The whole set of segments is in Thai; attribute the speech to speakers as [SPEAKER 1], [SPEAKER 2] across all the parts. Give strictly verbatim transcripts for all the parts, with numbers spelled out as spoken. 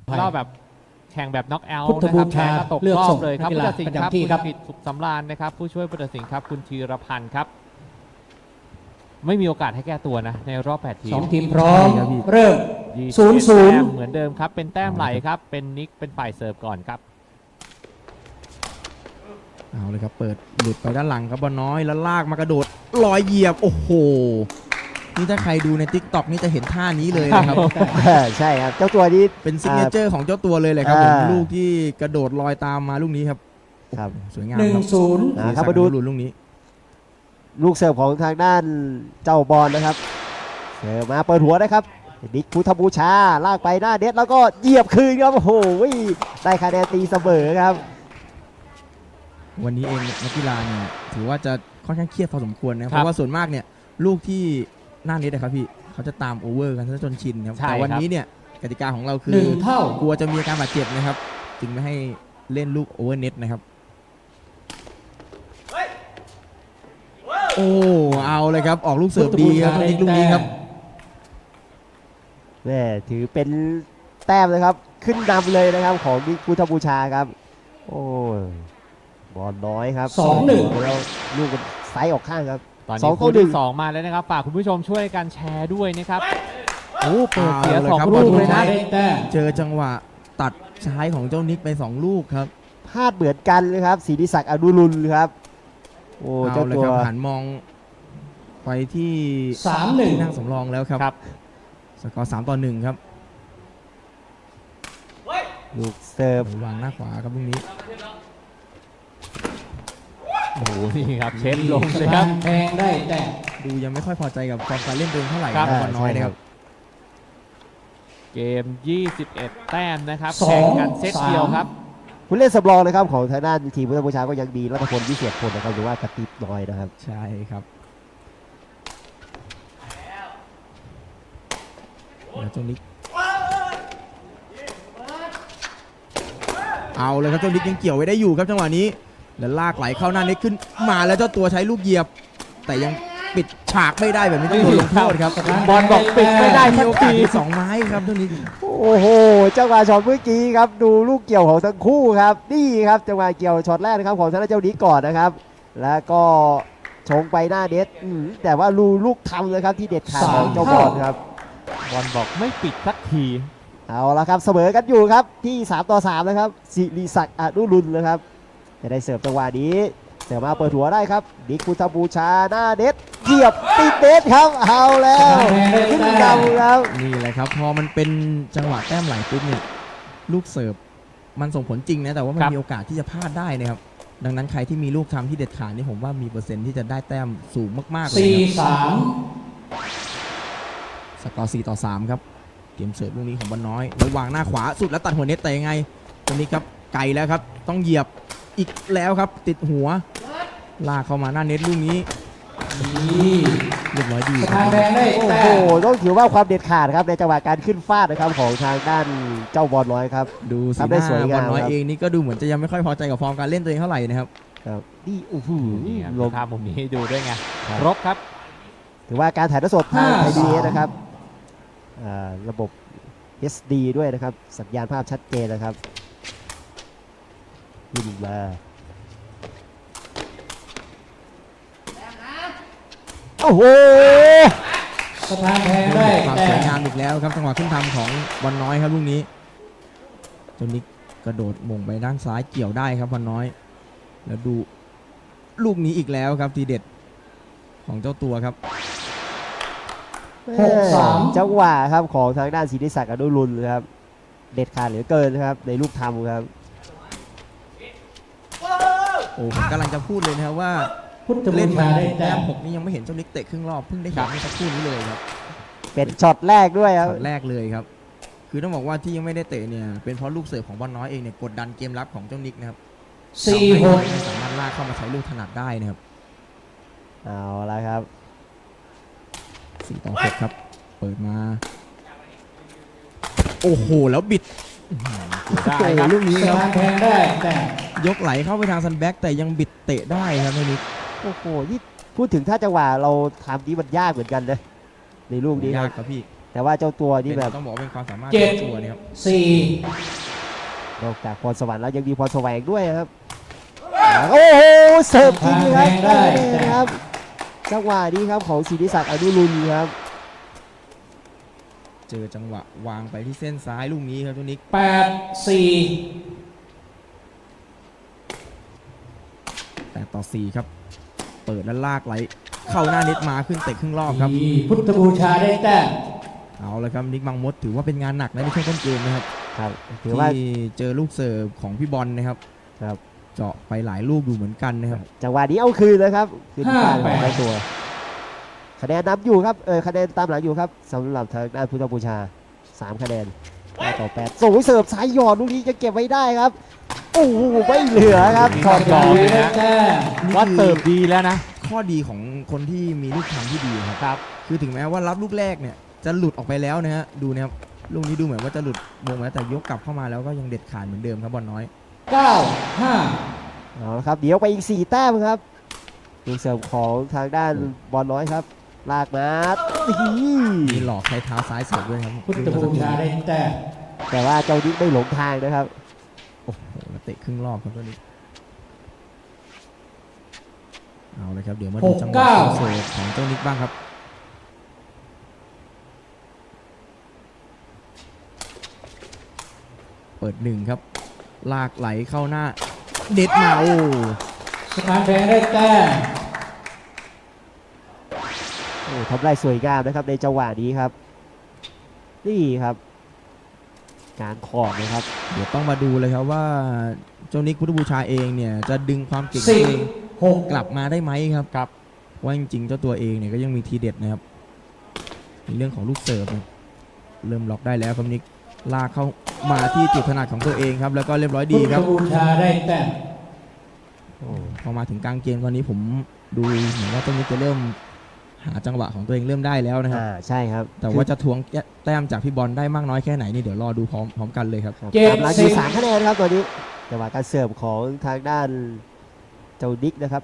[SPEAKER 1] รอบแบบแข่งแบบน็อกเอาท์
[SPEAKER 2] พุทธ
[SPEAKER 1] นะค
[SPEAKER 2] บู
[SPEAKER 1] รับ
[SPEAKER 2] ชา
[SPEAKER 1] แพ้ก็ตก
[SPEAKER 2] เลือก
[SPEAKER 1] รอ
[SPEAKER 2] ส่
[SPEAKER 1] บ
[SPEAKER 2] ง
[SPEAKER 1] เลยครับ
[SPEAKER 2] นักกี
[SPEAKER 1] ผู้
[SPEAKER 2] ฬา
[SPEAKER 1] ตัดสิน
[SPEAKER 2] ประ
[SPEAKER 1] ครับ
[SPEAKER 2] จำที่
[SPEAKER 1] คุณ
[SPEAKER 2] ครับ
[SPEAKER 1] กิตสุขสำราญนะครับผู้ช่วยผู้ตัดสินครับคุณธีรพันธ์ครับ ไม่มีโอกาสให้แก้ตัวนะในรอบแปดทีม
[SPEAKER 2] สองทีมพร้อม
[SPEAKER 3] ใช่ครับพี่
[SPEAKER 2] เริ่ม
[SPEAKER 1] ยี่สิบ
[SPEAKER 2] ศูนย์
[SPEAKER 1] เอ็ด
[SPEAKER 2] ศูนย์
[SPEAKER 1] แต้มเหมือนเดิมครับเป็นแต้มไหลครับเป็นนิกเป็นฝ่ายเสิร์ฟก่อนครับ
[SPEAKER 3] เอาเลยครับเปิดหลุดไปด้านหลังครับบอลน้อยแล้วลากมากระโดดลอยเหยียบโอ้โหนี่ถ้าใครดูใน ติ๊กต็อก นี่จะเห็นท่านี้เลยนะครับ
[SPEAKER 4] ใช่ครับเจ้าตัวนี้
[SPEAKER 3] เป็นซิกเนเจอร์ของเจ้าตัวเลยเลยครับผม
[SPEAKER 4] อ่า
[SPEAKER 3] ลูกที่กระโดดลอยตามมาลูกนี้ครับ
[SPEAKER 4] ครับ
[SPEAKER 3] โอ้โหสวยงาม
[SPEAKER 2] หนึ่ง
[SPEAKER 3] ครับ
[SPEAKER 2] ศูนย์
[SPEAKER 4] อ่าครับมาดู
[SPEAKER 3] ลูกนี้
[SPEAKER 4] ลูกเสิร์ฟของทางด้านเจ้าบอลนะครับเสิร์ฟมาเปิดหัวนะครับนิกพุทธบูชาลากไปหน้าเน็ตแล้วก็เหยียบคืนครับโอ้โหได้คะแนนตีเสมอครับ
[SPEAKER 3] วันนี้เองนักกีฬาเนี่ยถือว่าจะค่อนข้างเครียดพอสมควรนะ
[SPEAKER 1] ค
[SPEAKER 3] เพ
[SPEAKER 1] รับ
[SPEAKER 3] ราะว่าส่วนมากเนี่ยลูกที่หน้าเน็ตนะครับพี่เขาจะตามโอเวอร์กันซะจนชินครับ
[SPEAKER 1] ใช่
[SPEAKER 3] แต่วัน
[SPEAKER 1] ครับ
[SPEAKER 3] นี้เนี่ยกติกาของเราคื
[SPEAKER 2] หนึ่
[SPEAKER 3] อง
[SPEAKER 2] เท่าก
[SPEAKER 3] ลัวจะมีอาการบาดเจ็บนะครับ จึงไม่ให้เล่นลูกโอเวอร์เน็ตนะครับโอ้เอาเลยครับออกลูกเสิร์ฟดีครับนิกลูกนี้ครับ
[SPEAKER 4] แม่ถือเป็นแต้มเลยครับขึ้นนำเลยนะครับของนิกพุทธบูชาครับโอ้ยบอลน้อยครับ
[SPEAKER 2] สองหนึ่ง
[SPEAKER 4] แล้วลูกมันไซส์ออกข้างครับ
[SPEAKER 1] ตอน
[SPEAKER 4] สอ
[SPEAKER 1] นี้
[SPEAKER 4] งต่
[SPEAKER 1] คู่
[SPEAKER 4] อหนึ่
[SPEAKER 1] ที่
[SPEAKER 4] ง
[SPEAKER 1] สองมาแล้วนะครับฝากคุณผู้ชมช่วยกันแชร์ด้วยนะครับโอ้เปิดเสีย
[SPEAKER 3] เอาเลย
[SPEAKER 1] สอง
[SPEAKER 3] ครับ
[SPEAKER 1] ลูก
[SPEAKER 3] บอล
[SPEAKER 1] เลยนะ
[SPEAKER 2] ได้แต้ม
[SPEAKER 3] เจอจังหวะตัดซ้ายของเจ้านิกไปสองลูกครับ
[SPEAKER 4] พลาดเหมือนกันเลยครับศรีศักดิ์อนุรุณครับโอ้
[SPEAKER 3] เอา
[SPEAKER 4] เจ้า
[SPEAKER 3] เลย
[SPEAKER 4] ตัว
[SPEAKER 3] ครับหันมองไปที่
[SPEAKER 2] สามหนึ่ง
[SPEAKER 3] ที่นั่งสำรองแล้วครับ
[SPEAKER 1] ครับ
[SPEAKER 3] สกอร์สามต่อหนึ่งครับ
[SPEAKER 4] ลูกเสิร์ฟ
[SPEAKER 3] วางหน้าขวาครับลูกนี้
[SPEAKER 1] โอ้โหนี่ครับเชฟลง
[SPEAKER 2] ส
[SPEAKER 1] เลยค
[SPEAKER 2] ถา
[SPEAKER 1] รับ
[SPEAKER 2] นแพงได้แต้ม
[SPEAKER 3] ดูยังไม่ค่อยพอใจกับฟอร์มการเล่นตัวเองเท่าไหร่
[SPEAKER 1] ครับ
[SPEAKER 3] นะบอลน้อยนะครับ
[SPEAKER 1] เกมยี่สิบเอ็ดแต้มนะครับ
[SPEAKER 2] สอง
[SPEAKER 1] แข่งกันเซตเดียวครับ
[SPEAKER 4] ผู้เล่นสำรองนะครับของทางด้านทีมพุทธบูชาก็ยังมีรัตพลวิเศษพลนะครับหรือว่ากระติบน้อยนะครับ
[SPEAKER 3] ใช่ครับแล้วเจ้านิกเอาเลยครับเจ้านิกยังเกี่ยวไว้ได้อยู่ครับจังหวะนี้แล้วลากไหลเข้าหน้าเน็ตขึ้นมาแล้วเจ้าตัวใช้ลูกเหยียบ แต่ยังปิดฉากไม่ได้แบบนี้ต้องโดนลงโทษครับ
[SPEAKER 1] บอลบอกปิดไม่ได้
[SPEAKER 3] มี
[SPEAKER 1] สัก
[SPEAKER 3] โอกาส
[SPEAKER 1] ที
[SPEAKER 3] ที่สองไม้ครับเจ้านิก
[SPEAKER 4] โอ้โหจังหวะช็อตเมื่อกี้ครับดูลูกเกี่ยวของทั้งคู่ครับนี่ครับจังหวะเกี่ยวช็อตแรกนะครับของทางด้านเจ้านี้ก่อนนะครับ แล้วก็ชงไปหน้าเน็ตอืมแต่ว่าลูลูกทำเลยครับที่เด็ดขาดของเจ้าบอลครับ
[SPEAKER 1] บอลบอกไม่ปิดสักที
[SPEAKER 4] เอาละครับเสมอกันอยู่ครับที่สามต่อสามนะครับสิริศักดิ์อนุรุณนะครับจะได้เสิร์ฟจังหวะนี้เสิร์ฟมาเปิดหัวได้ครับนิกพุทธบูชาหน้าเน็ตเหยียบติดเน็ตครับเอาแล้วขึ้นนำครับ
[SPEAKER 3] นี่แหละครับพอมันเป็นจังหวะแต้มไหลปุ๊บเนี่ยลูกเสิร์ฟมันส่งผลจริงนะแต่ว่ามัน
[SPEAKER 1] ครับ
[SPEAKER 3] มีโอกาสที่จะพลาดได้นะครับดังนั้นใครที่มีลูกทำที่เด็ดขาดนี่ผมว่ามีเปอร์เซ็นต์ที่จะได้แต้มสูงมากๆเลย
[SPEAKER 2] สี่
[SPEAKER 3] นะครับ
[SPEAKER 2] สาม
[SPEAKER 3] สกอร์สี่ต่อสามครับเกมเสิร์ฟลูกนี้ของบอลน้อยแล้ววางหน้าขวาสุดแล้วตัดหัวเน็ตแต่ยังไงตรงนี้ครับไกลแล้วครับต้องเหยียบอีกแล้วครับติดหัวลากเข้ามาหน้าเน็ตลูกนี้
[SPEAKER 2] นี่
[SPEAKER 3] เรียบร้อยดี
[SPEAKER 2] ส
[SPEAKER 3] ค
[SPEAKER 2] ถา
[SPEAKER 3] รั
[SPEAKER 2] น
[SPEAKER 3] บ
[SPEAKER 2] แพงได้
[SPEAKER 4] โอ้
[SPEAKER 2] แต้
[SPEAKER 4] โห
[SPEAKER 2] ม
[SPEAKER 4] ต้องถือว่าความเด็ดขาดครับในจังหวะการขึ้นฟาดนะครับของทางด้านเจ้าบอลน้อยครับ
[SPEAKER 3] ดูสี
[SPEAKER 4] ทำ
[SPEAKER 3] ห
[SPEAKER 4] ได้
[SPEAKER 3] น้า
[SPEAKER 4] สวย
[SPEAKER 3] บ
[SPEAKER 4] งา
[SPEAKER 3] อ
[SPEAKER 4] ม
[SPEAKER 3] ลน้อย
[SPEAKER 4] ครับ
[SPEAKER 3] เองนี่ก็ดูเหมือนจะยังไม่ค่อยพอใจกับฟอร์มการเล่นตัวเองเท่าไหร่นะครับ
[SPEAKER 4] ครับนี่โอ้โห
[SPEAKER 1] นี่ครับ
[SPEAKER 4] ลง
[SPEAKER 1] ภาพมุมนี้ให้ดูด้วยไง
[SPEAKER 4] ครับ
[SPEAKER 1] ครบครับ
[SPEAKER 4] ถือว่าการถ่ายทอดสดทางไทยพีบีเอสนะครับอ่าระบบ เอส ดี ด้วยนะครับสัญญาณภาพชัดเจนนะครับยิงมาโอ้โห
[SPEAKER 2] สถานแพงได้
[SPEAKER 3] ความ
[SPEAKER 2] แต้
[SPEAKER 3] สวย
[SPEAKER 2] ม
[SPEAKER 3] งามอีกแล้วครับจังหวะขึ้นทำของบอลน้อยครับลูกนี้จนนิกกระโดดหม่งไปด้านซ้ายเกี่ยวได้ครับบอลน้อย แล้วดูลูกนี้อีกแล้วครับทีเด็ดของเจ้าตัวครับ
[SPEAKER 2] หกสาม
[SPEAKER 4] จังหวะครับของทางด้านศรีนิศักดิ์อนุรุณครับเด็ดขาดเหลือเกินนะครับในลูกทำครับ
[SPEAKER 3] โอ้ผมกำลังจะพูดเลยนะครับว่า
[SPEAKER 2] พุทธบู
[SPEAKER 3] เล่น
[SPEAKER 2] ชา
[SPEAKER 3] มา
[SPEAKER 2] ได้
[SPEAKER 3] แต้
[SPEAKER 2] แต้
[SPEAKER 3] ม
[SPEAKER 2] ม
[SPEAKER 3] หกนี่ยังไม่เห็นเจ้านิกเตะครึ่งรอบเพิ่งได้เห็นเมื่อสักครู่นี้เลยครับ
[SPEAKER 4] เป็นช็อตแรกด้วยครับ
[SPEAKER 3] ช็อตแรกเลยครับ คือต้องบอกว่าที่ยังไม่ได้เตะเนี่ยเป็นเพราะลูกเสิร์ฟของบอลน้อยเองเนี่ยกดดันเกมรับของเจ้านิกนะครับ
[SPEAKER 2] สี่หก
[SPEAKER 3] ไม่สามารถลากเข้ามาใช้ลูกถนัดได้นะครับ
[SPEAKER 4] เอาละครับ
[SPEAKER 3] สี่ต่อหกครับ เปิดมา โอ้โห แล้วบิด
[SPEAKER 1] ได้
[SPEAKER 3] โอ้
[SPEAKER 1] ครับ
[SPEAKER 3] โหลูกนี้
[SPEAKER 2] ส
[SPEAKER 3] ครับ
[SPEAKER 2] ถานแพงได้แต้ม
[SPEAKER 3] ยกไหลเข้าไปทางซันแบ็กแต่ยังบิดเตะได้ครับเจ้านิก
[SPEAKER 4] โอ้โหนี่พูดถึงถ้าจังหวะเราทำนี้มันยากเหมือนกันนะในลูกนี้ค
[SPEAKER 3] ยา
[SPEAKER 4] รั
[SPEAKER 3] ก
[SPEAKER 4] บ
[SPEAKER 3] ครับพี่
[SPEAKER 4] แแต่ว่าเจ้าตัวนี่
[SPEAKER 3] เป็น
[SPEAKER 4] แบบ
[SPEAKER 3] ต้องบอกว่าเป็นความสามารถ
[SPEAKER 2] เจ็ด
[SPEAKER 3] ของตัวเนี่ยครับ
[SPEAKER 2] สี่
[SPEAKER 4] นอกจากพรสวรรค์แล้วยังมีพรแสวงด้วยครับโอ้โหเสิร์ฟจริงครับได้เลยนะครับจังหวะนี้ครับของศิริศักดิ์อนุรุณครับ
[SPEAKER 3] เจอจังหวะวางไปที่เส้นซ้ายลูกนี้ครับเจ้านิก
[SPEAKER 2] แปดสี่
[SPEAKER 3] แต่ต่อสี่ครับเปิดแล้วลากไหลเข้าหน้าเน็ตมาขึ้นเตะครึ่งรอบครับ
[SPEAKER 2] พุทธบูชาได้แต้ม
[SPEAKER 3] เอาเลยครับนิกบางมดถือว่าเป็นงานหนักนะในช่วงต้นเกมนะครับ
[SPEAKER 4] ครับถือว่า
[SPEAKER 3] ที่เจอลูกเสิร์ฟของพี่บอลนะครับ
[SPEAKER 4] ครับ
[SPEAKER 3] เจาะไปหลายลูกอยู่เหมือนกันนะครับ
[SPEAKER 4] จังหวะนี้เอาคืนเลยครับคืนที่บ้านของเจ้าตัวคะแนนนำอยู่ครับเออคะแนนตามหลังอยู่ครับสำหรับทางด้านพุทธบูชาสามคะแนนเก้าต่อแปดส่งเสิร์ฟสายหยอดลูกนี้จะเก็บไว้ได้ครับโอ้โหไม่เหลือครับ
[SPEAKER 1] มี
[SPEAKER 2] ขอบ
[SPEAKER 1] รอ
[SPEAKER 2] คุณ
[SPEAKER 1] เลย
[SPEAKER 2] ได้
[SPEAKER 1] นะ
[SPEAKER 2] แต้ม
[SPEAKER 1] ว่าเติบดีแล้วนะ
[SPEAKER 3] ข้อดีของคนที่มีลูกทำที่ดีครับ
[SPEAKER 1] ครับ
[SPEAKER 3] คือถึงแม้ว่ารับลูกแรกเนี่ยจะหลุดออกไปแล้วนะฮะดูนะครับลูกนี้ดูเหมือนว่าจะหลุดวงแล้วแต่ยกกลับเข้ามาแล้วก็ยังเด็ดขาดเหมือนเดิมครับบอลน้อย
[SPEAKER 2] เก้าห้า
[SPEAKER 4] เอาละครับเดี๋ยวไปอีกสี่แต้มครับลูกเสิร์ฟของทางด้านบอลน้อยครับลากมาอี
[SPEAKER 3] มีหลอกใช้เท้าซ้ายเสิร์ฟด้วยครับ
[SPEAKER 2] พุทธบูชาได้แต้ม
[SPEAKER 4] แต่ว่าเจ้านิกไม่หลงทางนะครับ
[SPEAKER 3] โอ้โหแล้วเตะครึ่งรอบครับตัวนี้เอาเลยครับเดี๋ยวมาดูจังหวะเสิร์ฟของเจ้านิกบ้างครับเปิดหนึ่งครับลากไหลเข้าหน้าเด็ดมาโอ้
[SPEAKER 2] สถานแพงได้แต้ม
[SPEAKER 4] โอ้ทำได้สวยงามนะครับในจังหวะนี้ครับ นี่ครับ การขอบนะครับ
[SPEAKER 3] เดี๋ยวต้องมาดูเลยครับว่าเจ้านิกพุทธบูชาเองเนี่ยจะดึงความเก่ง
[SPEAKER 2] สิบ
[SPEAKER 3] ตัวเอง
[SPEAKER 2] หก
[SPEAKER 3] กลับมาได้ไหมครับครับว่าจริงๆเจ้าตัวเองเนี่ยก็ยังมีทีเด็ดนะครับในเรื่องของลูกเสิร์ฟเนี่ยเริ่มล็อกได้แล้วครับนิกลากเข้ามาที่จุดถนัดของตัวเองครับแล้วก็เรียบร้อย
[SPEAKER 2] พุ
[SPEAKER 3] ดี
[SPEAKER 2] ท
[SPEAKER 3] ค
[SPEAKER 2] ธ
[SPEAKER 3] รับ
[SPEAKER 2] บูชาได้แต้ม
[SPEAKER 4] โอ้
[SPEAKER 3] พอมาถึงกลางเกมตอนนี้ผมดูเหมือนว่าเจ้านิกจะเริ่มหาจังหวะของตัวเองเริ่มได้แล้วนะครับ
[SPEAKER 4] อ่าใช่ครับ
[SPEAKER 3] แต่ว่าจะทวงแต้มจากพี่บอลได้มากน้อยแค่ไหนนี่เดี๋ยวรอดูพร้อมพร้อมกันเลยครับ
[SPEAKER 4] ครับ
[SPEAKER 2] เจ็ด
[SPEAKER 4] ตามหลังอ
[SPEAKER 2] สิ
[SPEAKER 4] ยู่
[SPEAKER 2] บ
[SPEAKER 4] สามคะแนนครับตัวนี้จังหวะการเสิร์ฟของทางด้านเจ้านิกนะครับ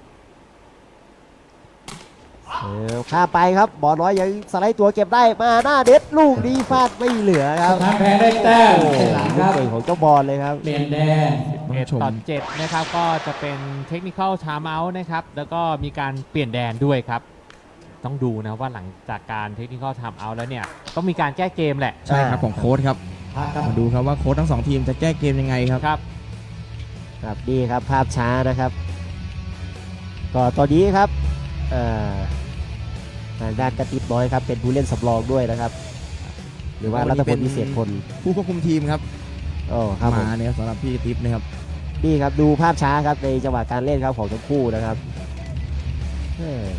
[SPEAKER 4] เสิร์ฟข้ามไปครับบอลน้อยยังสไลด์ตัวเก็บได้มาหน้าเด็ดลูกนี้ฟาดไม่เหลือค
[SPEAKER 2] ส
[SPEAKER 4] รับ
[SPEAKER 2] ถานแพงได้แต้ม
[SPEAKER 4] โอ้โห
[SPEAKER 2] เป็นหลัง
[SPEAKER 4] ลู
[SPEAKER 2] ค
[SPEAKER 4] ก
[SPEAKER 2] รับ
[SPEAKER 4] เก่งของเจ้าบอลเลยครับ
[SPEAKER 2] เปลี่ยนแดง
[SPEAKER 3] ต้อง
[SPEAKER 1] เอ็ด
[SPEAKER 3] ชม
[SPEAKER 1] ต่อเจ็ดนะครับก็จะเป็นเทคนิคอลชาร์มเอาท์นะครับแล้วก็มีการเปลี่ยนแดนด้วยครับ ต้องดูนะว่าหลังจากการเทคนิคอลชาร์มเอาท์แล้วเนี่ยต้องมีการแก้เกมแหละ
[SPEAKER 3] ใช่ครับของโค้ชครับ
[SPEAKER 2] พักครับ
[SPEAKER 3] มาดูครับว่าโค้ชทั้งสองทีมจะแก้เกมยังไงครับ
[SPEAKER 1] ครับ
[SPEAKER 4] ครับนี่ครับภาพช้านะครับ ก็ตอนนี้ครับเอ่อทางด้านกระติบน้อยครับเป็นผู้เล่นสำรองด้วยนะครับ หรือว่ารัตพลพิเศษพล
[SPEAKER 3] ผู้ควบคุมทีมครับ
[SPEAKER 4] โอ้ครับผม
[SPEAKER 3] มาเนี่ยสำหรับพี่ทิพย์นะครับ
[SPEAKER 4] นี่ครับดูภาพช้าครับในจังหวะการเล่นครับของทั้งคู่นะครับเอ้ย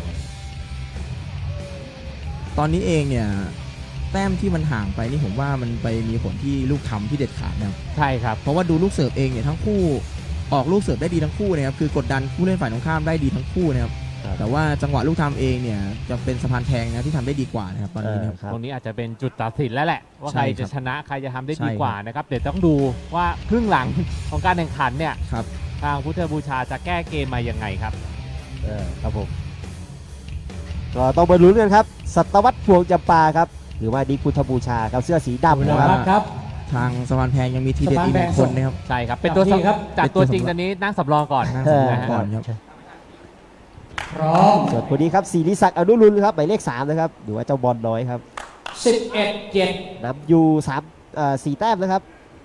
[SPEAKER 3] ตอนนี้เองเนี่ยแต้มที่มันห่างไปนี่ผมว่ามันไปมีผลที่ลูกทำที่เด็ดขาดนะครับ
[SPEAKER 1] ใช่ครับ
[SPEAKER 3] เพราะว่าดูลูกเสิร์ฟเองเนี่ยทั้งคู่ออกลูกเสิร์ฟได้ดีทั้งคู่นะครับคือกดดันผู้เล่นฝ่ายตรงข้ามได้ดีทั้งคู่นะครับแต่ว่าจังหวะลูกทำเองเนี่ยจะเป็นสะพานแทงนะที่ทำได้ดีกว่านะครับตอนนี้นะครับ
[SPEAKER 4] ครับ
[SPEAKER 1] ตรงนี้อาจจะเป็นจุดตัดสินแล้วแหละ ว่า
[SPEAKER 3] ใช่
[SPEAKER 1] ใคร
[SPEAKER 3] ครั
[SPEAKER 1] จะ
[SPEAKER 3] บ
[SPEAKER 1] ชนะใครจะทำได้
[SPEAKER 3] ใช่
[SPEAKER 1] ดีกว่า
[SPEAKER 3] ครับ
[SPEAKER 1] นะครับเดี๋ยวต้องดูว่าครึ่งหลังของการแข่งขันเนี่ย
[SPEAKER 3] ครับ
[SPEAKER 1] ทางพุทธบูชาจะแก้เกมมายังไงครับ
[SPEAKER 4] เออครับผมก็ต้องมาลุ้นกันครับสัตวัตพวงจำปาครับหรือว่าดิกพุทธบูชาครับเสื้อสีดำ
[SPEAKER 2] เว
[SPEAKER 4] นะ
[SPEAKER 2] ลา
[SPEAKER 4] ครับ
[SPEAKER 2] พักครับ
[SPEAKER 3] ทางสะพานแพงยังมีทีเด็ดอีกหนึ่งคนนะครับ
[SPEAKER 1] ใช่ครับ เป็นตัว
[SPEAKER 2] จับที่ครับ
[SPEAKER 1] จากตัว
[SPEAKER 3] เป็นตัว
[SPEAKER 1] จริง
[SPEAKER 3] สำรอง
[SPEAKER 1] ตอนนี้นั่งสำรองก่อน
[SPEAKER 3] นั่ง
[SPEAKER 4] เอ
[SPEAKER 3] สำ
[SPEAKER 4] อ
[SPEAKER 3] รองก่อนครับ
[SPEAKER 2] พร้อม
[SPEAKER 4] ส่วนคนนี้ครับศิริศักดิ์อนุรุณครับหมายเลขสามนะครับหรือว่าเจ้าบอลน้อยครับ
[SPEAKER 2] สิบเอ็ดเจ็ด
[SPEAKER 4] นำอยู่สามเอ่อสี่แต้มนะครับ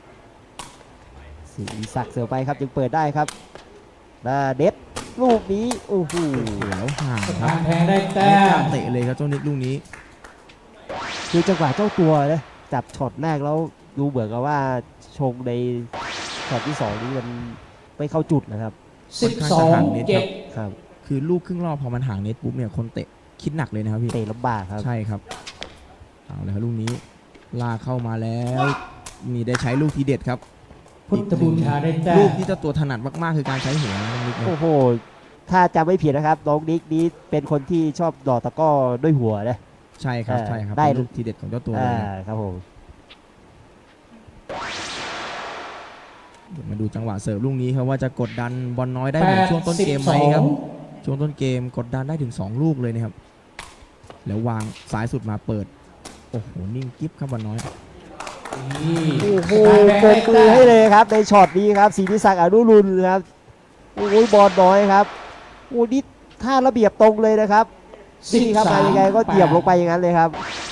[SPEAKER 4] ศิริศักดิ์เสือไปครับยังเปิดได้ครับหน้าเด็ดลูกนี้โอ้โห
[SPEAKER 3] แล้วห่าง
[SPEAKER 2] ส
[SPEAKER 3] ครั
[SPEAKER 2] ถา
[SPEAKER 3] บ
[SPEAKER 2] นแพงได้แต้
[SPEAKER 3] ไม่กล้าม เตะเลยครับเจ้านิกลูกนี้
[SPEAKER 4] คือจังหวะเจ้าตัวนะจับช็อตแรกแล้วดูเหมือนกับว่าชงในช็อตที่สองนี้มันไม่เข้าจุดนะครับ
[SPEAKER 2] สิบสองเจ็ด
[SPEAKER 4] ครับ
[SPEAKER 3] คือลูกครึ่งรอบพอมันห่างเน็ตปุ๊บเนี่ยคนเตะคิดหนักเลยนะครับพี่
[SPEAKER 4] เตะลำบากครับ
[SPEAKER 3] ใช่ครับเอาเลยครับลูกนี้ลากเข้ามาแล้วนี่ได้ใช้ลูกทีเด็ดครับ
[SPEAKER 2] พุทธบูชาได้แต้
[SPEAKER 3] ลู
[SPEAKER 2] ม
[SPEAKER 3] กที่เจ้าตัวถนัดมากๆคือการใช้หัวน้องนิกนะ
[SPEAKER 4] โอ้โหถ้าจำไม่ผิดนะครับน้องนิกนี้เป็นคนที่ชอบดอกตะกร้อด้วยหัวนะ
[SPEAKER 3] ใช่ครับ
[SPEAKER 4] เออ
[SPEAKER 3] ใช่ครับ
[SPEAKER 4] ได้
[SPEAKER 3] เป็นลูกทีเด็ดของเจ้าตัวเล
[SPEAKER 4] อ่าย
[SPEAKER 3] ครับ
[SPEAKER 4] ครับผม
[SPEAKER 3] เดี๋ยวมาดูจังหวะเสิร์ฟลูกนี้ครับว่าจะกดดันบอลน้อยได้
[SPEAKER 2] แป
[SPEAKER 3] เหมือน
[SPEAKER 2] ด
[SPEAKER 3] ช่วงต้น
[SPEAKER 2] สิบ
[SPEAKER 3] เกม
[SPEAKER 2] ส
[SPEAKER 3] ไหม
[SPEAKER 2] อง
[SPEAKER 3] ครับช่วงต้นเกมกดดันได้ถึงสองลูกเลยนะครับแล้ววางซ้ายสุดมาเปิดโอ้โหนิ่งกิ๊บครับบอลน้อย
[SPEAKER 2] นี่
[SPEAKER 4] โอ้โห
[SPEAKER 2] สถานแบง
[SPEAKER 4] ป
[SPEAKER 2] ค์
[SPEAKER 4] รบมือ
[SPEAKER 2] ได้
[SPEAKER 4] ให้
[SPEAKER 2] แต้ม
[SPEAKER 4] เลยครับในช็อตนี้ครับศิริศักดิ์อนุรุณครับโอ้ยบอลน้อยครับโอ้นี่ท่าระเบียบตรงเลยนะครับนี่ครับมายังไงก็เหยียบลงไปอย่างนั้นเลยครับ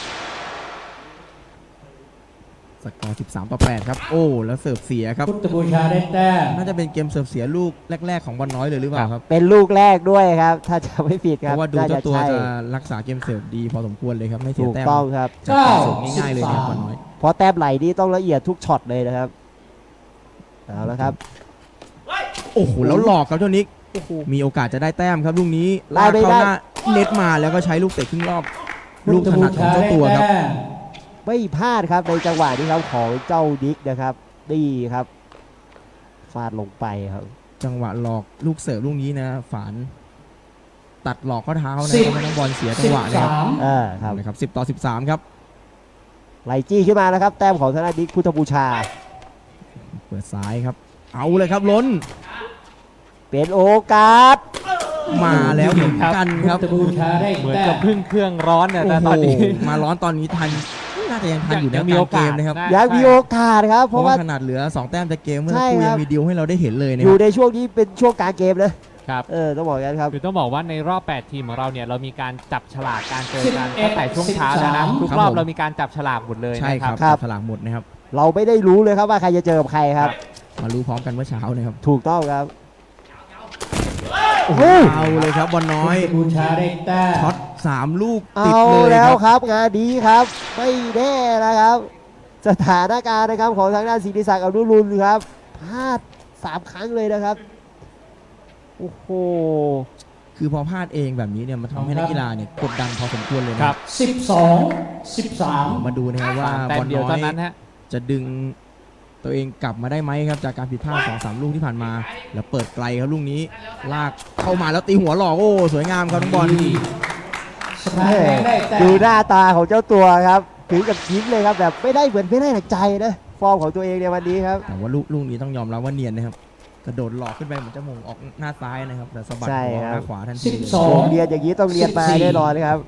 [SPEAKER 3] สกอร์สิบสามต่อแปดครับโอ้แล้วเสิร์ฟเสียครับ
[SPEAKER 2] พุทธบูชาได้แต้ม
[SPEAKER 3] น่าจะเป็นเกมเสิร์ฟเสียลูกแรกๆของบอลน้อยเลยหรือเปล่าครับ
[SPEAKER 4] เป็นลูกแรกด้วยครับ ถ้าจะไม่ผิดค
[SPEAKER 3] เพ
[SPEAKER 4] รับ
[SPEAKER 3] ราะว่าดู
[SPEAKER 4] น่
[SPEAKER 3] เจ้าตัว
[SPEAKER 4] ใช่
[SPEAKER 3] จะรักษาเกมเสิร์ฟดีพอสมควรเลยครับไม่เสีย
[SPEAKER 4] ถูก
[SPEAKER 3] แต้ม
[SPEAKER 4] ต้องครับ
[SPEAKER 3] จากการเสิร์ฟง่ายๆเลยนะครับบอลน้อย
[SPEAKER 4] เพราะแต้มไหลนี่ต้องละเอียดทุกช็อตเลยนะครับเอาละครับ
[SPEAKER 3] โอ้โหแล้วหลอกครับเจ้านิกมีโอกาสจะได้แต้มครับลูกนี้
[SPEAKER 4] ได้
[SPEAKER 3] ลาก
[SPEAKER 4] ไม่
[SPEAKER 3] เข้า
[SPEAKER 4] ได้
[SPEAKER 3] หน้าเน็ตมาแล้วก็ใช้ลูกเตะครึ่งรอบ
[SPEAKER 2] พุ
[SPEAKER 3] ลู
[SPEAKER 2] ท
[SPEAKER 3] ก
[SPEAKER 2] ธ
[SPEAKER 3] ถ
[SPEAKER 2] บู
[SPEAKER 3] นัดของ
[SPEAKER 2] ชา
[SPEAKER 3] เจ้า
[SPEAKER 2] ได้
[SPEAKER 3] ตัวครับ
[SPEAKER 2] แต้ม
[SPEAKER 4] ไม่พลาดครับในจังหวะนี้ครับของเจ้าดิกนะครับนี่ครับฟาดลงไปครับ
[SPEAKER 3] จังหวะหลอกลูกเสิร์ฟลูกนี้นะฝานตัดหลอกข้อเท้านะ
[SPEAKER 2] สิบ
[SPEAKER 3] ทำให้น้องบอลเสียจั
[SPEAKER 2] สิ
[SPEAKER 3] ง
[SPEAKER 2] บ
[SPEAKER 3] หวะนะครับ
[SPEAKER 2] สาม
[SPEAKER 4] อ่าครับ
[SPEAKER 3] นะครับสิบต่อสิบสามครับ
[SPEAKER 4] ไหลจี้ขึ้นมานะครับ แต้มของธนาดิกพุทธบูชา
[SPEAKER 3] เปิดซ้ายครับ เอาเลยครับล้น
[SPEAKER 4] เป็นโอกาส
[SPEAKER 3] มาแล้วเหมือนกัน
[SPEAKER 2] พุ
[SPEAKER 3] ครับ
[SPEAKER 2] ทธบูชาได้
[SPEAKER 1] เหมือน
[SPEAKER 2] แต้
[SPEAKER 1] กับ
[SPEAKER 2] ม
[SPEAKER 1] พึ่งเครื่องร้อนเนี่ยแต่ตอนนี้
[SPEAKER 3] โโหมาร้อนตอนนี้ทันน่าจะยังทันอยู่
[SPEAKER 1] ยั
[SPEAKER 3] นะ
[SPEAKER 1] งมีโอกาส
[SPEAKER 3] ลงเกมนะครับ
[SPEAKER 1] นะ
[SPEAKER 4] ยังมีโอกาสครับ
[SPEAKER 3] เพ
[SPEAKER 4] เพ
[SPEAKER 3] ราะ
[SPEAKER 4] ราะ
[SPEAKER 3] ว่า
[SPEAKER 4] ว่า
[SPEAKER 3] ขนาดเหลือสองแต้มจากเกมเมื่อ
[SPEAKER 4] ใช่
[SPEAKER 3] สักครู่
[SPEAKER 4] ครั
[SPEAKER 3] ยั
[SPEAKER 4] บ
[SPEAKER 3] งมีดีลให้เราได้เห็นเลยนะ
[SPEAKER 4] อ
[SPEAKER 3] ค
[SPEAKER 4] ยู่
[SPEAKER 3] รับ
[SPEAKER 4] ในช่วงนี้เป็นช่วงกลางเกมนะครับ เออต้องบอกกันครับ
[SPEAKER 1] คือต้องบอกว่าในรอบ แปด ทีมของเราเนี่ยเรามีการจับฉลากการเจอกัน
[SPEAKER 2] สิบเอ็ด
[SPEAKER 1] ตั้งแต่ช่วงเช้าแล้วนะ
[SPEAKER 2] สิบสาม
[SPEAKER 1] ทุกรอบเรามีการจับฉลากหมดเลย
[SPEAKER 3] ใช่
[SPEAKER 1] นะ
[SPEAKER 3] ค
[SPEAKER 1] ค
[SPEAKER 3] รั
[SPEAKER 1] รั
[SPEAKER 3] บบ
[SPEAKER 4] ครับ
[SPEAKER 3] ฉลากหมดนะครับ
[SPEAKER 4] เราไม่ได้รู้เลยครับว่าใครจะเจอกับใครครับ
[SPEAKER 3] มารู้พร้อมกันเมื่อเช้านะครับ
[SPEAKER 4] ถูกต้องครับ
[SPEAKER 3] โอ้โหเอาเลยครับบอลน้อย
[SPEAKER 2] พุทธบูชาได้แต้ม
[SPEAKER 3] ช็อตสามลูก
[SPEAKER 4] เอา
[SPEAKER 3] ติดเลย
[SPEAKER 4] แล้ว
[SPEAKER 3] ค
[SPEAKER 4] ครับ รับงานดีครับ ไม่แน่นะครับ สถานการณ์นะครับของทางด้านศิริศักดิ์อนุรุณครับพลาดสามครั้งเลยนะครับโอ้โห
[SPEAKER 3] คือพอพลาดเองแบบนี้เนี่ยมันทำให้นักกีฬาเนี่ยกดดันพอสมควรเลย
[SPEAKER 1] ค
[SPEAKER 3] นะ
[SPEAKER 1] รับ
[SPEAKER 2] สิบสองสิบสาม
[SPEAKER 3] มาดูนะครับว่า
[SPEAKER 1] แต้
[SPEAKER 3] บ
[SPEAKER 1] ม
[SPEAKER 3] อล
[SPEAKER 1] เดียว
[SPEAKER 3] น้อ
[SPEAKER 1] เท่าย นั้นฮะ
[SPEAKER 3] จะดึงตัวเองกลับมาได้ไหมครับจากการผิดพลาดสองสามลูกที่ผ่านมา แล้วเปิดไกลครับลูกนี้ลากเข้ามาแล้วตีหัวหลอกโอ้สวยงามครับน้องบอล
[SPEAKER 2] สถานแบงค์ได้แต้
[SPEAKER 4] ดู
[SPEAKER 2] ม
[SPEAKER 4] หน้าตาของเจ้าตัวครับถึงกับยิ้มเลยครับแบบไม่ได้เหมือนไม่ได้หนักใจนะฟอร์มของตัวเองในวันนี้ครับ
[SPEAKER 3] แต่ว่าลูกลูกนี้ต้องยอมรับว่าเนียนนะครับกระโดดหลอกขึ้นไปเหมือนจะมงออกหน้าซ้ายนะครับแต่สะบัด
[SPEAKER 4] ใช่
[SPEAKER 3] หัวออก
[SPEAKER 4] ครับ
[SPEAKER 3] หน้าขวาทัน
[SPEAKER 2] สิ
[SPEAKER 3] ที
[SPEAKER 2] บ
[SPEAKER 3] เลย
[SPEAKER 2] สอง
[SPEAKER 4] โรงเรียนอย่างนี้ต้องเรียนมา
[SPEAKER 2] สิบสี่
[SPEAKER 4] แน่นอนครับ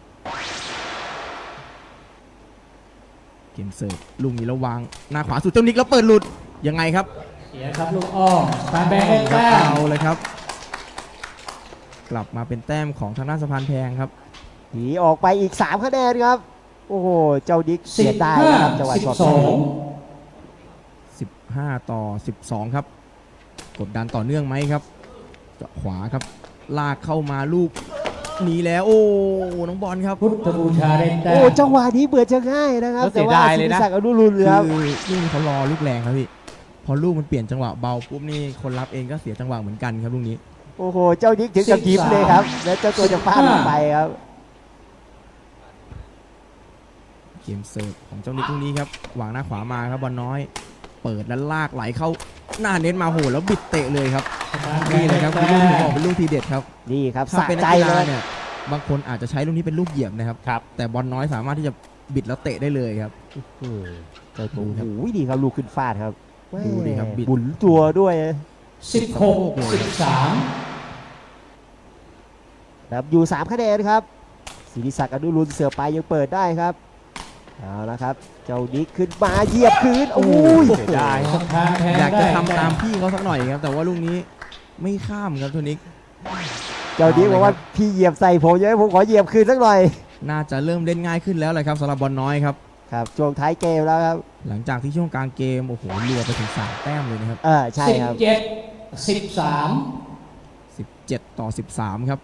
[SPEAKER 3] เกมเสิร์ฟลูกนี้ระวางหน้าขวาสุดเจ้านิกแล้วเปิดหลุดยังไงครับ
[SPEAKER 2] เสียครับลูกอ้อมสถานแบงค์ได้แต้ม
[SPEAKER 3] เอาเลยครับ กลับมาเป็นแต้มของทางด้านสะพานแพงครับ
[SPEAKER 4] หนีออกไปอีกสามคะแนนครับ โอ้โห เจ้าดิก
[SPEAKER 2] สิ
[SPEAKER 4] เสีย
[SPEAKER 2] บ
[SPEAKER 4] ดาย
[SPEAKER 2] ห้า
[SPEAKER 4] นะครับจังหวะ
[SPEAKER 2] สิบ
[SPEAKER 4] ช็อต
[SPEAKER 2] สอง
[SPEAKER 3] สิบห้าต่อสิบสองครับ กดดันต่อเนื่องไหมครับเจาะขวาครับ ลากเข้ามาลูกหนีแล้ว โอ้น้องบอลครับ
[SPEAKER 2] พุทธบูชาได้แต้
[SPEAKER 4] โอ้
[SPEAKER 2] ม
[SPEAKER 4] จังหวะนี้เบื่อจะง่ายนะครับ
[SPEAKER 1] แล้วเสี
[SPEAKER 4] แต่
[SPEAKER 1] ย
[SPEAKER 4] ว่า
[SPEAKER 1] ดาย
[SPEAKER 4] ศิ
[SPEAKER 1] เลย
[SPEAKER 4] ริ
[SPEAKER 1] นะ
[SPEAKER 4] ศักดิ์อนุรุณ
[SPEAKER 3] คือ
[SPEAKER 4] ครับ
[SPEAKER 3] ลูกนี้เขารอลูกแรงครับพี่พอลูกมันเปลี่ยนจังหวะเบาปุ๊บนี่คนรับเองก็เสียจังหวะเหมือนกันครับลูกนี้
[SPEAKER 4] โอ้โห เจ้าดิกถึงกับยิ้มเลยครับ แล้วเจ้าตัวจะฟาดลงไปครับ
[SPEAKER 3] เกมเสิร์ฟของเจ้านิกลูกนี้ครับวางหน้าขวามาครับบอลน้อย เปิดแล้วลากไหลเข้าหน้าเน็ตมาโหแล้วบิดเตะเลยครับ
[SPEAKER 2] สถานแบ
[SPEAKER 3] นี่
[SPEAKER 2] งค์
[SPEAKER 3] เล
[SPEAKER 2] ได้
[SPEAKER 3] ยครับคือ
[SPEAKER 2] แต้
[SPEAKER 3] ลูกที่
[SPEAKER 2] ม
[SPEAKER 3] บอกเป็นลูกทีเด็ดครับ
[SPEAKER 4] นี่ครับ
[SPEAKER 3] ถ้า
[SPEAKER 4] สะ
[SPEAKER 3] เป็นนั
[SPEAKER 4] ใจ
[SPEAKER 3] กกี
[SPEAKER 4] เล
[SPEAKER 3] ฬาย เนี่ยบางคนอาจจะใช้ลูกนี้เป็นลูกเหยียบนะครับ
[SPEAKER 1] ครับ
[SPEAKER 3] แต่บอลน้อยสามารถที่จะบิดแล้วเตะได้เลยครับ
[SPEAKER 4] อืมเจ้าตัว
[SPEAKER 3] ดู
[SPEAKER 4] โอ้
[SPEAKER 3] ครับ
[SPEAKER 4] โหดีครับลูกขึ้นฟาดครับ
[SPEAKER 3] ดูดิครับบิด
[SPEAKER 4] หมุนตัวด้วย
[SPEAKER 2] สิบหกสิบสาม
[SPEAKER 4] ครับอยู่สามคะแนนครับศิริศักดิ์อนุรุณเสือไปยังเปิดได้ครับเอาละครับ เจ้าดิกขึ้นมาเหยียบคืนโอ้ย
[SPEAKER 1] เสียดาย
[SPEAKER 2] สถานแบงค์
[SPEAKER 3] อยาก
[SPEAKER 2] ได้
[SPEAKER 3] จะ
[SPEAKER 2] แต้
[SPEAKER 3] ทำตามพี่เขาสักหน่อยครับ แต่ว่าลูกนี้ไม่ข้ามครับตัวนิก
[SPEAKER 4] เจ้าดิกบอกว่า
[SPEAKER 3] เอาเลยครับ
[SPEAKER 4] พี่เหยียบใส่ผมเยอะผมขอเหยียบคืนสักหน่อย
[SPEAKER 3] น่าจะเริ่มเล่นง่ายขึ้นแล้วแหละครับสำหรับบอลน้อยครับ
[SPEAKER 4] ครับช่วงท้ายเกมแล้วครับ
[SPEAKER 3] หลังจากที่ช่วงกลางเกมโอ้โหรัวไปถึงสามแต้มเลยนะครับ
[SPEAKER 4] เออใช่
[SPEAKER 2] สิบ
[SPEAKER 4] ครับ
[SPEAKER 2] เจ็ดสิบสาม
[SPEAKER 3] สิบเจ็ดต่อสิบสามครับ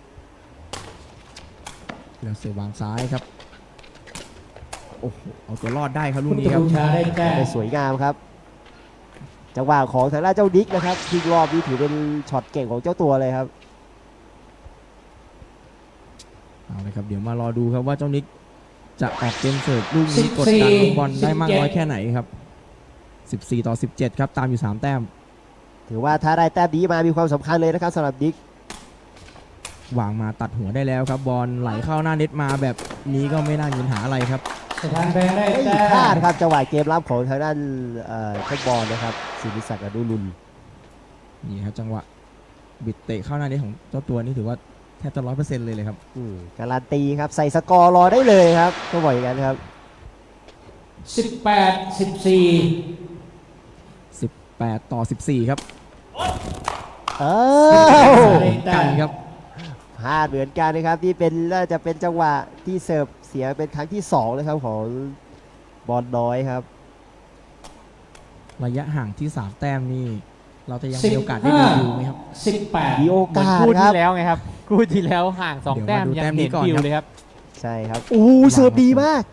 [SPEAKER 3] แล้วเสือวางซ้ายครับโอ้โหเอาตัวรอดได้ครับลู
[SPEAKER 2] พุ
[SPEAKER 3] ก
[SPEAKER 2] ท
[SPEAKER 3] นี้
[SPEAKER 2] ธ
[SPEAKER 3] ครับ
[SPEAKER 2] บูชาได้แต้ม
[SPEAKER 4] ได้สวยงามครับ จังหวะของทางด้านเจ้าดิกนะครับทิ้งรอบนี้ถือเป็นช็อตเก่งของเจ้าตัวเลยครับ
[SPEAKER 3] เอาเลยครับเดี๋ยวมารอดูครับว่าเจ้านิกจะออกเกมเสิร์ฟลูกนี้กดดันลูกบอลได้มากน้อยแค่ไหนครับสิบสี่ต่อสิบเจ็ดครับตามอยู่สามแต้ม
[SPEAKER 4] ถือว่าถ้าได้แต้มนี้มามีความสำคัญเลยนะครับสำหรับดิก
[SPEAKER 3] วางมาตัดหัวได้แล้วครับบอลไหลเข้าหน้าเน็ตมาแบบนี้ก็ไม่น่ามีปัญหาอะไรครับ
[SPEAKER 2] สถานแบงค์ได้
[SPEAKER 4] ไม่
[SPEAKER 2] แต้
[SPEAKER 4] พลาด
[SPEAKER 2] ม
[SPEAKER 4] ครับจังหวะเกมรับของทางด้านเอ่อเจ้าบอลนะครับศิริศักดิ์อนุรุณ
[SPEAKER 3] นี่ครับจังหวะบิดเตะเข้าหน้าเน็ตของเจ้าตัวนี่ถือว่าแทบจะร้อยเปอร์เซ็นต์เลยเลยครับ
[SPEAKER 4] อืมการันตีครับใส่สกอร์รอได้เลยครับก็บอกอย่างนั้นครับ
[SPEAKER 2] สิบแปด สิบสี่
[SPEAKER 3] สิบแปด ต่อ สิบสี่ ครับ
[SPEAKER 4] อ้าว
[SPEAKER 3] กันครับ
[SPEAKER 4] พลาดเหมือนกันนะครับที่เป็นน่าจะเป็นจังหวะที่เสิร์ฟเสียเป็นครั้งที่สองนะครับของบอลน้อยครับ
[SPEAKER 3] ระยะห่างที่สามแต้มนี่เราจะยัง
[SPEAKER 2] สิบ
[SPEAKER 3] มีโอกาสได้
[SPEAKER 2] ห้า
[SPEAKER 3] ดูไหมครับ
[SPEAKER 2] สิบแปด
[SPEAKER 4] มีโอ
[SPEAKER 1] เหมือน
[SPEAKER 4] กาส
[SPEAKER 1] คู่
[SPEAKER 4] ครั
[SPEAKER 1] ที่
[SPEAKER 4] บ
[SPEAKER 1] แล้วไงครับคู่ที่แล้วห่างสอง
[SPEAKER 3] เดี๋ยว
[SPEAKER 1] แต้ม
[SPEAKER 3] มาดู
[SPEAKER 1] ยัง
[SPEAKER 3] แต้มนี้
[SPEAKER 1] เห็น
[SPEAKER 3] ก่อน
[SPEAKER 1] ดิว
[SPEAKER 3] ครับ
[SPEAKER 1] เลยครับ
[SPEAKER 4] ใช่ครับโอ้โหเสิร์ฟดีมาก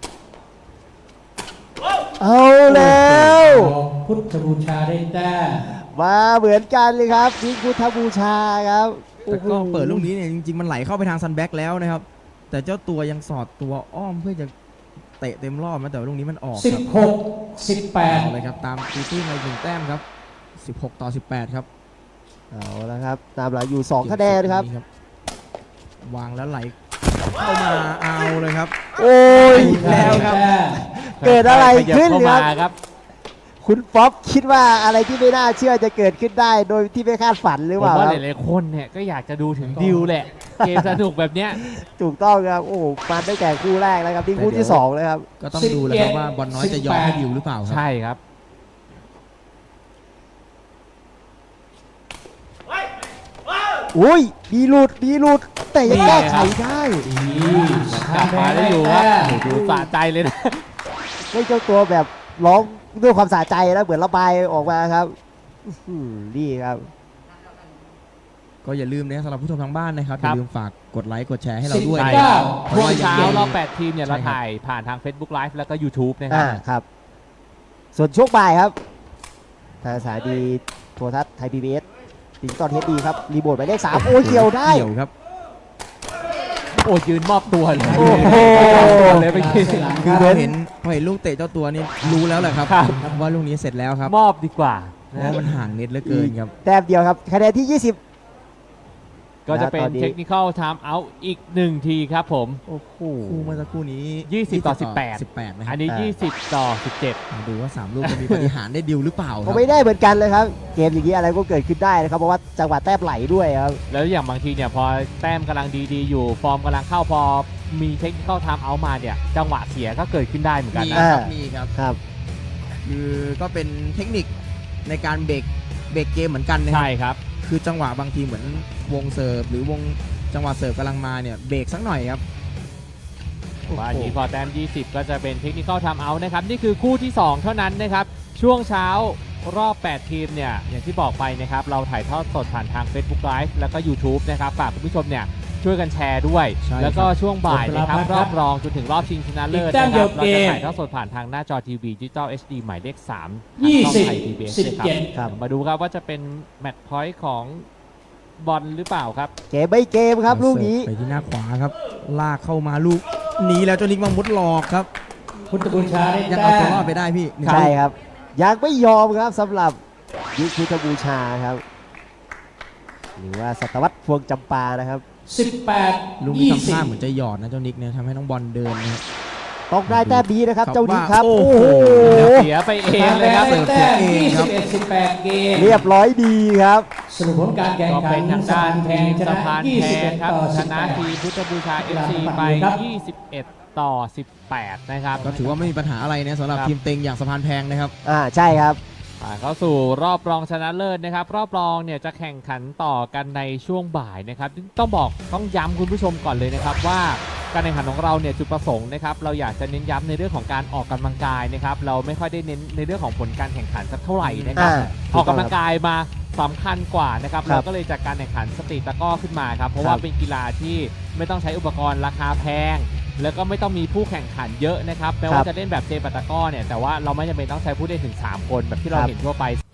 [SPEAKER 4] เอาแล้ว
[SPEAKER 2] พุทธบูชาได้แต้ม
[SPEAKER 4] มาเหมือนกันเลยครับนี่พุทธบูชาครับ
[SPEAKER 3] แต่ก็
[SPEAKER 4] โอ้โห
[SPEAKER 3] เปิดลูกนี้เนี่ยจริงๆมันไหลเข้าไปทางซันแบ็กแล้วนะครับ แต่เจ้าตัวยังสอดตัวอ้อมเพื่อจะเตะเต็มรอบนะแต่ว่าลูกนี้มันออก
[SPEAKER 2] สิบ
[SPEAKER 3] ครับ
[SPEAKER 2] หก สิบแปด
[SPEAKER 3] เอาเลยครับตามตีตื้นมาอีกหนึ่งแต้มครับสิบหก ต่อ สิบแปด ครับ
[SPEAKER 4] เอาละครับตามหลังอยู่สองคะแนนครับ
[SPEAKER 3] วางแล้วไหลเข้ามาเอาเลยครับ
[SPEAKER 4] โอ้ย
[SPEAKER 3] อีกแล้วครับ
[SPEAKER 4] เกิดอะไรขึ้น
[SPEAKER 1] ขยับ
[SPEAKER 4] ค
[SPEAKER 1] เข้า
[SPEAKER 4] รับ
[SPEAKER 1] มาครับ
[SPEAKER 4] คุณป๊อปคิดว่าอะไรที่ไม่น่าเชื่อจะเกิดขึ้นได้โดยที่ไม่คาดฝันหรือ
[SPEAKER 1] ผ
[SPEAKER 4] เป
[SPEAKER 1] ม
[SPEAKER 4] ล่า
[SPEAKER 1] ว่า
[SPEAKER 4] ค
[SPEAKER 1] ห
[SPEAKER 4] รับ
[SPEAKER 1] ลายๆคนเนี่ยก็อยากจะดูถึงดิวแหละ เกมสนุกแบบเนี้ย
[SPEAKER 4] ถูกต้องครับ โอ้โหมาตั้งแต่คู่แรกแล้วครับที่คู่ที่สองเลยครับ
[SPEAKER 3] ก็ต้องดูแล้วครับว่าบอลน้อยจะยอมให้ดิวหรือเปล่าครับ
[SPEAKER 1] ใช่ครับ
[SPEAKER 4] อุ้ยมีหลุดมีหลุด แต่ยัง
[SPEAKER 1] นี่
[SPEAKER 4] แก้
[SPEAKER 1] ไง
[SPEAKER 4] ไข
[SPEAKER 1] ครับ
[SPEAKER 4] ได้
[SPEAKER 1] กลับมาได้อยู่ครับโอ้โหดูสะใจเลยนะ
[SPEAKER 4] ไม่เจ้าตัวแบบร้องด้วยความสะใจนะเหมือนระบายออกมาครับอื้อหือนี่ครับ
[SPEAKER 3] ก็อย่าลืมนะครับสำหรับผู้ชมทางบ้านนะครับอ
[SPEAKER 1] ครับ
[SPEAKER 3] ย่าลืมฝากกดไลค์กดแชร์ให้เราด้วย
[SPEAKER 1] ใช่
[SPEAKER 3] นะ
[SPEAKER 1] ครับ
[SPEAKER 3] เพราะ
[SPEAKER 1] ช่วง
[SPEAKER 3] ว่า
[SPEAKER 1] เช้า
[SPEAKER 3] ยัง
[SPEAKER 1] รอบแปดทีมเนี่ยเรา
[SPEAKER 3] ใช่ครับ
[SPEAKER 1] ถ่ายผ่านทาง Facebook Live แล้วก็ YouTube นะครั
[SPEAKER 4] อ่า
[SPEAKER 1] บ
[SPEAKER 4] ครับ ส่วนช่วงบ่ายครับทางสถานีโทรทัศน์ไทยพีบีเอสดิจิตอลเฮดดีครับ รีโมทหมายเลขสามโอ้ยเกี่ยวได้
[SPEAKER 3] เกี่ยวครับ
[SPEAKER 1] โอ้ยืนมอบตัวเลย
[SPEAKER 4] โอ้โห
[SPEAKER 1] เลยไปกิน
[SPEAKER 3] คือพอเห็นพอเห็นลูกเตะเจ้าตัวนี่รู้แล้วแหละครับ
[SPEAKER 1] ครับ
[SPEAKER 3] ว่าลูกนี้เสร็จแล้วครับ
[SPEAKER 1] มอบดีกว่า
[SPEAKER 3] เพ
[SPEAKER 1] นะ
[SPEAKER 3] ราะมันห่างเน็ตเหลือเกินครับ
[SPEAKER 4] แต้มเดียวครับคะแนนที่ ยี่สิบ
[SPEAKER 1] ก็จะเป็น
[SPEAKER 4] ตอนนี้
[SPEAKER 1] เทคนิคอลไทม์เอาท์อีกหนึ่งทีครับผม
[SPEAKER 4] โอ้โห
[SPEAKER 3] คู่เมื่อสักครู่นี้
[SPEAKER 1] ยี่สิบต่อสิบแปด
[SPEAKER 3] สิบแปดนะค
[SPEAKER 1] อั
[SPEAKER 3] รั
[SPEAKER 1] น
[SPEAKER 3] บ
[SPEAKER 1] นี้
[SPEAKER 4] อ่า
[SPEAKER 1] ยี่สิบต่อสิบเจ็ด
[SPEAKER 3] มาดูว่าสามลูกจะมีปฏิหารย์ได้ดิวหรือเปล่าค
[SPEAKER 4] ก็
[SPEAKER 3] รับ
[SPEAKER 4] ไม่ได้เหมือนกันเลยครับ เกมอย่างนี้อะไรก็เกิดขึ้นได้นะครับ เพราะว่าจังหวะแต้มไหลด้วยครับ
[SPEAKER 1] แล้วอย่างบางทีเนี่ยพอแต้มกำลังดีๆ อยู่ ฟอร์มกำลังเข้าพอมีเทคนิคอลไทม์เอาท์มาเนี่ย จังหวะเสียก็เกิดขึ้นได้เหมือนกัน
[SPEAKER 3] มี
[SPEAKER 1] นะ
[SPEAKER 3] ครับ
[SPEAKER 4] อ่ามี
[SPEAKER 3] มีครับ
[SPEAKER 4] ครับ
[SPEAKER 3] คือก็เป็นเทคนิคในการเบรกเบรกเกมเหมือนกันนะครั
[SPEAKER 1] ใช่ครับ
[SPEAKER 3] คือจังหวะบางทีเหมือนวงเสิร์ฟหรือวงจังหวะเสิร์ฟกำลังมาเนี่ยเบรกสักหน่อยครับ
[SPEAKER 1] ว่าอันนี้พอแต้มยี่สิบก็จะเป็นเทคนิคอลไทม์เอาท์นะครับ นี่คือคู่ที่ สอง เท่านั้นนะครับ ช่วงเช้ารอบ แปด ทีมเนี่ย อย่างที่บอกไปนะครับ เราถ่ายทอดสดผ่านทาง Facebook Live แล้วก็ YouTube นะครับ ฝากคุณผู้ชมเนี่ย ช่วยกันแชร์ด้วย
[SPEAKER 3] ใช่ครับ
[SPEAKER 1] แล้วก็ช่วงบ่ายนะครับ
[SPEAKER 2] ขอบคุณ
[SPEAKER 1] ร
[SPEAKER 2] ครั
[SPEAKER 1] อบบ รองจนถึงรอบชิงชนะเลิศ
[SPEAKER 2] อีกแต้
[SPEAKER 1] นะ
[SPEAKER 2] ม
[SPEAKER 1] ค
[SPEAKER 2] เดี
[SPEAKER 1] รั
[SPEAKER 2] ยว
[SPEAKER 1] บเราจะ
[SPEAKER 2] เกม
[SPEAKER 1] ถ่ายทอดสดผ่านทางหน้าจอทีวีดิจิตอล เอช ดี หมายเลขสาม
[SPEAKER 2] ยี่สิบ
[SPEAKER 1] ทางช่องไทย พี บี เอส
[SPEAKER 2] สิบ
[SPEAKER 1] นะครับ
[SPEAKER 2] เจ็ด
[SPEAKER 4] ครับ
[SPEAKER 1] มาดูครับว่าจะเป็นแมตช์พอยต์ของบอลหรือเปล่าครับ
[SPEAKER 4] เกมไม่เกมครับลูกนี้
[SPEAKER 3] ไปที่หน้าขวาครับ ลากเข้ามาลูกหนีแล้วเจ้านิกมามุดหลอกครับ
[SPEAKER 2] พุทธบูชาได้
[SPEAKER 3] ยัง
[SPEAKER 2] แต้
[SPEAKER 3] เอาตัว
[SPEAKER 2] ม
[SPEAKER 3] รอดไปได้พี่หนึ่ง
[SPEAKER 4] ใช่
[SPEAKER 3] ลูก
[SPEAKER 4] ครับ ยังไม่ยอมครับสำหรับยุคพุทธบูชาครับ หรือว่าสัตวัตพวงจำปานะครับ
[SPEAKER 2] สิบแปด
[SPEAKER 3] ลูกนี้
[SPEAKER 2] ยี่
[SPEAKER 3] ทำ
[SPEAKER 2] สิบ
[SPEAKER 3] ท่าเหมือนจะหยอดนะเจ้านิกเนี่ยทำให้น้องบอลเดินนะครับ
[SPEAKER 4] ต้องได้แต้มดีนะครับ
[SPEAKER 3] ครับ
[SPEAKER 4] เจ้านี้ครับ
[SPEAKER 3] ว่า
[SPEAKER 4] โอ้
[SPEAKER 3] โอ้
[SPEAKER 4] โห
[SPEAKER 3] โห
[SPEAKER 1] เสียไปเองเลยครับ
[SPEAKER 2] ได้แต้ม
[SPEAKER 3] เสิร์ฟเสียเอง
[SPEAKER 2] ยี่
[SPEAKER 3] ครั
[SPEAKER 2] สิ
[SPEAKER 3] บ
[SPEAKER 2] บเอ็ด สิบแปดเกม
[SPEAKER 4] เรียบร้อยดีครับ
[SPEAKER 2] สรุปผลการแข่ง
[SPEAKER 1] ก็
[SPEAKER 2] ขั
[SPEAKER 1] เป็น นทาง
[SPEAKER 2] สะ
[SPEAKER 1] ด้า
[SPEAKER 2] พาน นแพงช
[SPEAKER 1] สะ
[SPEAKER 2] นะ
[SPEAKER 1] พาน
[SPEAKER 2] ยี่
[SPEAKER 1] แพ
[SPEAKER 2] สิบเอ็
[SPEAKER 1] ง
[SPEAKER 2] ด
[SPEAKER 1] ครับ
[SPEAKER 2] ต่อ
[SPEAKER 1] ช
[SPEAKER 2] สิบ
[SPEAKER 1] นะ
[SPEAKER 2] แปด
[SPEAKER 1] ทีมพุทธบูชา เอฟ ซี ไป
[SPEAKER 2] ครับ
[SPEAKER 1] ยี่สิบเอ็ด ต่อ สิบแปด นะครับ
[SPEAKER 3] ก็ถือว่าไม่มีปัญหาอะไรนะสำหรับ
[SPEAKER 1] ครับ
[SPEAKER 3] ทีมเต็งอย่างสะพานแพงนะครับ
[SPEAKER 4] อ่าใช่ครับ
[SPEAKER 1] ผ่านเข้าสู่รอบรองชนะเลิศนะครับ รอบรองเนี่ยจะแข่งขันต่อกันในช่วงบ่ายนะครับต้องบอกต้องย้ำคุณผู้ชมก่อนเลยนะครับว่าการแข่งขันของเราเนี่ยจุดประสงค์นะครับเราอยากจะเน้นย้ำในเรื่องของการออกกำลังกายนะครับเราไม่ค่อยได้เน้นในเรื่องของผลการแข่งขันสักเท่าไหร่นะครับ
[SPEAKER 4] อ่า
[SPEAKER 1] ออกกำลังกายมาสำคัญกว่านะครับ
[SPEAKER 4] ครับ
[SPEAKER 1] เราก็เลยจัดการแข่งขันสตรีทตะกร้อขึ้นมาครับเพราะ
[SPEAKER 4] ค
[SPEAKER 1] ว่า
[SPEAKER 4] รับ
[SPEAKER 1] เป็นกีฬาที่ไม่ต้องใช้อุปกรณ์ราคาแพง แล้วก็ไม่ต้องมีผู้แข่งขันเยอะนะครับแม้ว่าจะเล่นแบบเซปัตตะกร้อเนี่ยแต่ว่าเราไม่จำเป็นต้องใช้ผู้เล่นถึงสามคนแบบที่เรา
[SPEAKER 4] ครับ
[SPEAKER 1] เห็นทั่วไป